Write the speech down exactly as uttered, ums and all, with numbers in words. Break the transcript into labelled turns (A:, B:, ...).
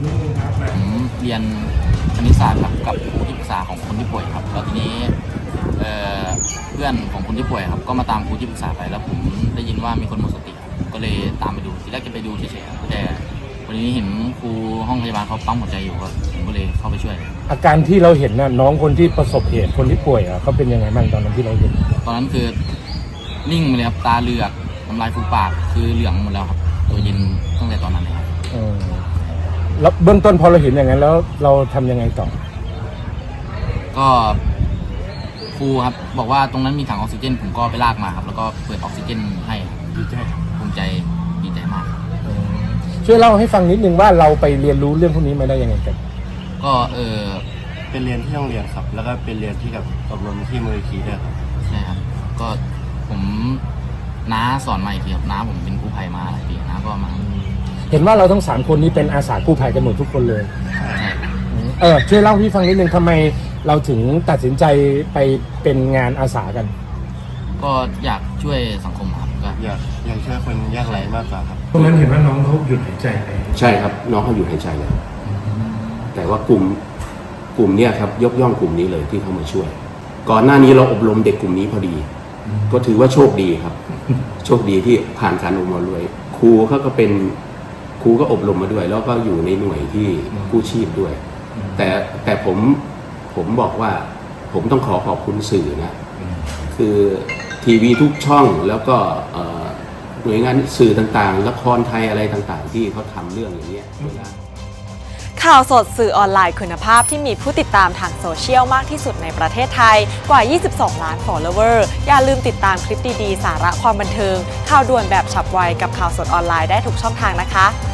A: ผมเรียนคณิตศาสตร์ครับกับครูที่ปรึกษาของคนที่ป่วยครับแล้วทีนี้เเพื่อนของคนที่ป่วยครับก็มาตามครูที่ปรึกษาไปแล้วผมได้ยินว่ามีคนหมดสติก็เลยตามไปดูทีแรกจะไปดูเฉยๆแต่วันนี้เห็นครูห้องพยาบาลเขาปั๊มหัวใจอยู่ก็ผมก็เลยเข้าไปช่วย
B: อาการที่เราเห็นน่ะน้องคนที่ประสบเหตุคนที่ป่วยอ่ะเขาเป็นยังไงบ้างตอนนั้นที่เราเห็น
A: ตอนนั้นคือนิ่งไปเลยครับตาเหลือกน้ำลายฟูปากคือเหลืองหมดแล้วครับตัวเย็นตั้งแต่ตอนนั้นเลยครับ
B: แล้วเบื้องต้นพอเราเห็นอย่างนั้นแล้วเราทำยังไงต่อ
A: ก็ครูครับบอกว่าตรงนั้นมีถังออกซิเจนผมก็ไปลากมาครับแล้วก็เปิดออกซิเจนให้
B: ดีใจ
A: ภูมิใจดีใจมาก
B: ช่วยเล่าให้ฟังนิดนึงว่าเราไปเรียนรู้เรื่องพวกนี้มาได้ยังไงกัน
A: ก็เออ
C: เป็นเรียนที่โรงเรียนครับแล้วก็เป็นเรียนที่กับอบรมที่มูลนิธิด้วยครับ
A: ใช่ครับก็ผมน้าสอนมาอีกทีครับน้าผมเป็นกู้ภัยมาหลายปีน้าก็มา
B: เห็นว่าเราทั้งสามคนนี้เป็นอาสากู้ภัยกันหมดทุกคนเลย
A: ใช่
B: เออช่วยเล่าให้ฟังนิดนึงทำไมเราถึงตัดสินใจไปเป็นงานอาสากัน
A: ก็อยากช่วยสังคมครับก็
C: อยากอยากช่วยคนยากไร้มากกว่าครับ
B: ตรงนั้นเห็นว่าน้องเขาหยุดหายใจไป
D: ใช่ครับน้องเขาหยุดหายใจแล้วแต่ว่ากลุ่มกลุ่มเนี้ยครับยกย่องกลุ่มนี้เลยที่เข้ามาช่วยก่อนหน้านี้เราอบรมเด็กกลุ่มนี้พอดีก็ถือว่าโชคดีครับโชคดีที่ผ่านการอบรมด้วยครูเขาก็เป็นครูก็อบรมมาด้วยแล้วก็อยู่ในหน่วยที่กู้ชีพด้วยแต่แต่ผมผมบอกว่าผมต้องขอขอบคุณสื่อนะคือทีวีทุกช่องแล้วก็หน่วยงานสื่อต่างๆละครไทยอะไรต่างๆที่เขาทำเรื่องอย่างนี้
E: ข่าวสดสื่อออนไลน์คุณภาพที่มีผู้ติดตามทางโซเชียลมากที่สุดในประเทศไทยกว่ายี่สิบสองล้าน follower อย่าลืมติดตามคลิปดีๆสาระความบันเทิงข่าวด่วนแบบฉับไวกับข่าวสดออนไลน์ได้ทุกช่องทางนะคะ